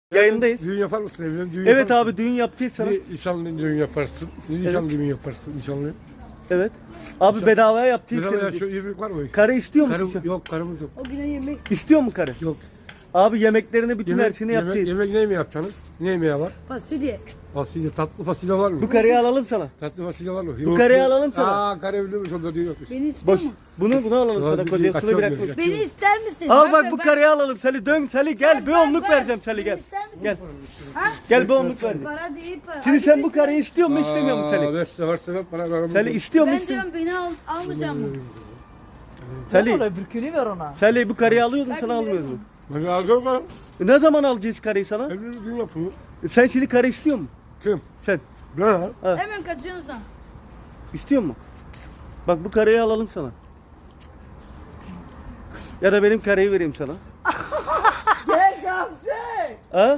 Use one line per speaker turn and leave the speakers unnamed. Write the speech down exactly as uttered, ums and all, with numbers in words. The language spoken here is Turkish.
Yayındayız.
Düğün yapar mısın evlen? Düğün
Evet
yapar
abi düğün yapacağız sana.
mısın? Nişanlı düğün yaparsın. Nişanlı düğün yaparsın. Nişanlı.
Evet. Abi bedavaya yapacağız
Mesela ya
seni.
şu evlilik var mı?
Karı istiyor musun?
Karı, yok karımız yok.
O güne yemek.
İstiyor mu karı?
Yok.
Abi yemeklerini bütün her
Yemek,
şeyini
yemek,
yapacağız.
yemek ne mi yapacaksınız? Ne yemeği var?
Fasulye.
Fasulye, tatlı fasulye var mı?
Bu karıyı alalım sana.
Tatlı fasulye var mı?
Bu karıyı alalım sana.
Aa karı evlenmiş onda düğün yokmuş.
Beni istiyor
Boş.
mu?
Bunu bunu alalım
Ya
sana
bir-
kocasını
kaçıyor
bırakma.
diyor.
Beni ister misin?
Al bak
be,
bu karıyı alalım. Seni dön Seli gel bir
bak,
onluk
bak.
vereceğim Seli
Beni
gel.
ister misin?
Gel.
Ha?
Gel bir onluk vereceğim.
Para değil para.
Şimdi
Hadi
sen
bir
bu
şey-
karıyı istiyor mu istemiyor musun Seli?
Beş sefer sefer bana ver.
Seli istiyor mu
Ben
istemiyor
diyorum beni al, almayacağım mı?
Seli.
Oraya bürkünü ver ona.
Seli bu karıyı alıyordun sana
Ben
almıyoruz mu?
Ben alacağım bana.
E, Ne zaman alacağız karıyı sana?
Evlilik düğün yapıyor.
E, Sen şimdi karı istiyor mu?
Kim?
Sen
Ben ha.
Hemen kaçıyorsun sen.
istiyor mu? Bak bu karıyı alalım sana. Ya da benim karıyı vereyim sana.
Gel Gamze.
Ha?